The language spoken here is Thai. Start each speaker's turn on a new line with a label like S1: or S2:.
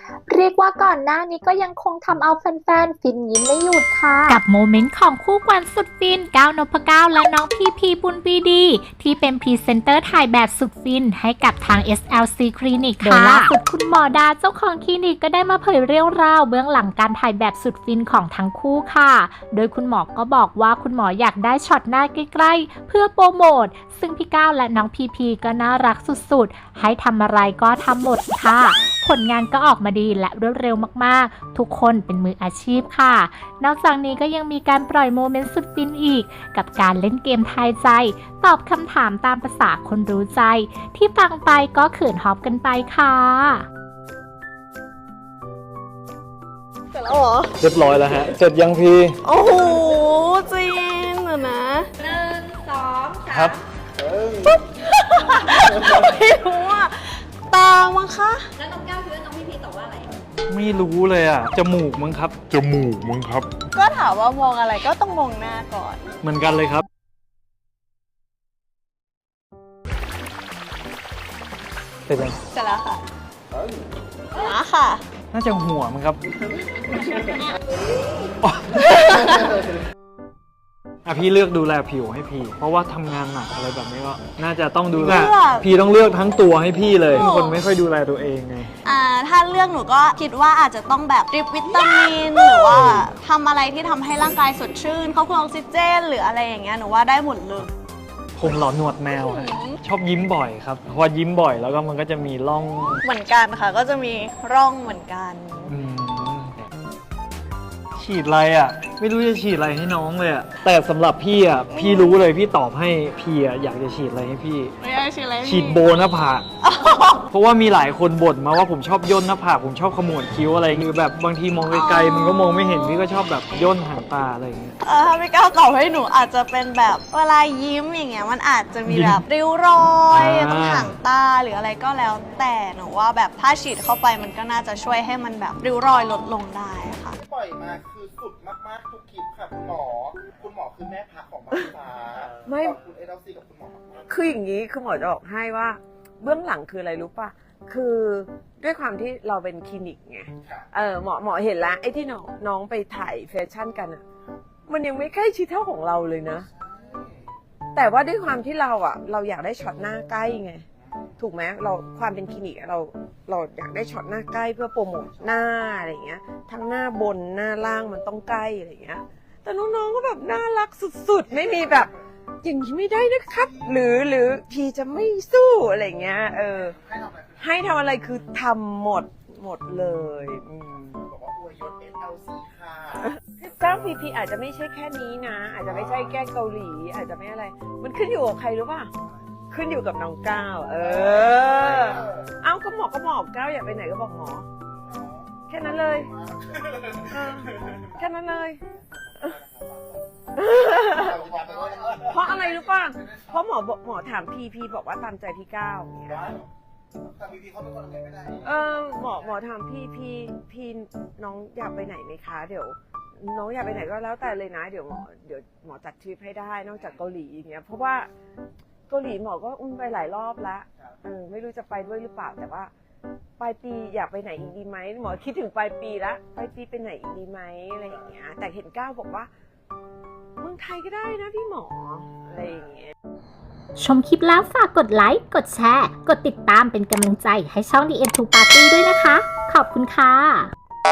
S1: เรียกว่าก่อนหน้านี้ก็ยังคงทำเอาแฟนๆฟินยิ้มไม่หยุดค่ะ
S2: กับโมเมนต์ของคู่กวนสุดฟินก้าวนพเก้าและน้องพีพีปุณปีดีที่เป็นพรีเซนเตอร์ถ่ายแบบสุดฟินให้กับทาง SLC คลินิกโดยล่าสุดคุณหมอดาเจ้าของคลินิกก็ได้มาเผยเรื่องราวเบื้องหลังการถ่ายแบบสุดฟินของทั้งคู่ค่ะโดยคุณหมอก็บอกว่าคุณหมออยากได้ช็อตหน้าใกล้ๆเพื่อโปรโมทซึ่งพี่ก้าวและน้องพีพีก็น่ารักสุดๆให้ทำอะไรก็ทำหมดค่ะผลงานก็ออกมาดีและรวดเร็วมากๆทุกคนเป็นมืออาชีพค่ะนอกจากนี้ก็ยังมีการปล่อยโมเมนต์สุดฟินอีกกับการเล่นเกมทายใจตอบคำถามตามภาษาคนรู้ใจที่ฟังไปก็เขินฮอปกันไปค่ะ
S3: เสร็จแล้วเหรอ
S4: เรียบร้อยแล้วฮะ เสร็จยังพี่
S3: โอ้โหใจเย็นเดี๋ยวนะ
S4: ครับ
S3: ไม่รู้อ่ะตามั้งคะ
S4: ไม่รู้เลยอ่ะ จมูกมั้งครับ
S5: จมูกมึงครับ
S3: ก็ถามว่ามองอะไรก็ต้องมองหน้าก่อน
S4: เหมือนกันเลยครับ เสร็จยัง
S3: เสร็จแล้วค่ะค่ะ
S4: น่าจะหัวมั้งครับ อ่ะพี่เลือกดูแลผิวให้พี่ เพราะว่าทำงานหนักอะไรแบบนี้ก็น่าจะต้องดูแลพี่ต้องเลือกทั้งตัวให้พี่เลยเป็นคนไม่ค่อยดูแลตัวเองไง
S3: ถ้าเลือกหนูก็คิดว่าอาจจะต้องแบบดริปวิตามินหรือว่าทำอะไรที่ทำให้ร่างกายสดชื่นเข้าเครื่องออกซิเจนหรืออะไรอย่างเงี้ยหนูว่าได้หมดเลย
S4: ผมเหลอหนวดแมวฮะชอบยิ้มบ่อยครับเพราะว่ายิ้มบ่อยแล้วก็มันก็จะมีร่อง
S3: เหมือนกันค่ะ ก็จะมีร่องเหมือนกัน
S4: อืมฉีดอะไรอ่ะ ไม่รู้จะฉีดอะไรให้น้องเลยอ่ะแต่สำหรับพี่อ่ะพี่รู้เลยพี่ตอบให้พี่อ่ะอยากจะฉีดอะไรให้พี่
S3: ไม่ได้ฉีดอะไร
S4: ฉีดโบหน้าผากเพราะว่ามีหลายคนบ่นมาว่าผมชอบย่นหน้าผากผมชอบขมวดคิ้วอะไรหรือแบบบางทีมองไกลๆมันก็มองไม่เห็นพี่ก็ชอบแบบย่นหางตาอะไรอย่างเงี้ย
S3: ถ้าไม่กล้าตอบให้หนูอาจจะเป็นแบบเวลายิ้มอย่างเงี้ยมันอาจจะมีแบบริ้วรอยตรงหางตาหรืออะไรก็แล้ว แต่หนูว่าแบบถ้าฉีดเข้าไปมันก็น่าจะช่วยให้มันแบบริ้วรอยลดลงได้ค่ะ
S6: ปล่อยมาคือสุดมากๆทุกคลิปค่ะคุณหมอคือแม่พักของบ้านฟ้า
S7: ไม่
S6: ขอบคุณเอลซีกับคุณหมอมากๆ
S7: คืออย่างนี้คือหมอจะบอกให้ว่าเบื้องหลังคืออะไรรู้ป่ะ คือด้วยความที่เราเป็นคลินิกไง
S6: ค่ะ
S7: หมอเห็นแล้วไอ้ที่น้องไปถ่ายแฟชั่นกันอ่ะ มันยังไม่ใกล้ชิดเท่าของเราเลยนะ แต่ว่าด้วยความที่เราอยากได้ช็อตหน้าใกล้ไง ถูกไหมเราความเป็นคลินิกอะเราอยากได้ช็อตหน้าใกล้เพื่อโปรโมทหน้าอะไรอย่างเงี้ย ทั้งหน้าบนหน้าล่างมันต้องใกล้อะไรอย่างเงี้ย แต่น้องๆก็แบบน่ารักสุดๆ ไม่มีแบบอย่างนี้ไม่ได้นะครับ หรือพี่จะไม่สู้อะไรเงี้ย ให้ทำอะไรคือทำหมดเลย
S6: บอกว่าอวยยศ SLC ค่ะ
S7: จ้างพีอาจจะไม่ใช่แค่นี้นะ อาจจะไม่ใช่แก้เกาหลี อาจจะไม่อะไร มันขึ้นอยู่กับใครรู้ป่ะ ขึ้นอยู่กับน้องก้าวเอ้าก็หมอก้าวอยากไปไหนก็บอกหมอ แค่นั้นเลยแค่นั้นเลย เพราะอะไรรู้ป่ะ เพราะหมอถามพีบอกว่าตามใจพี่ก้าวอย่างเงี้ย
S6: แต่พีเขาเป็นคนอะไรไม่ได้
S7: หมอถามพี่น้องอยากไปไหนไหมคะ เดี๋ยวน้องอยากไปไหนก็แล้วแต่เลยนะ เดี๋ยวหมอจัดทริปให้ได้นอกจากเกาหลีอย่างเงี้ย เพราะว่าเกาหลีหมอก็ไปหลายรอบแล้วไม่รู้จะไปด้วยหรือเปล่า แต่ว่าปลายปีอยากไปไหนอีกดีไหมหมอคิดถึงปลายปีละปลายปีไปไหนอีกดีไหมอะไรอย่างเงี้ย แต่เห็นก้าวบอกว่าเมืองไทยก็ได้นะพี่หมออะไรอย่างเงี้ย
S2: ชมคลิปแล้วฝากกดไลค์ กดแชร์ กดติดตามเป็นกำลังใจให้ช่อง The End to Party ด้วยนะคะ ขอบคุณค่ะ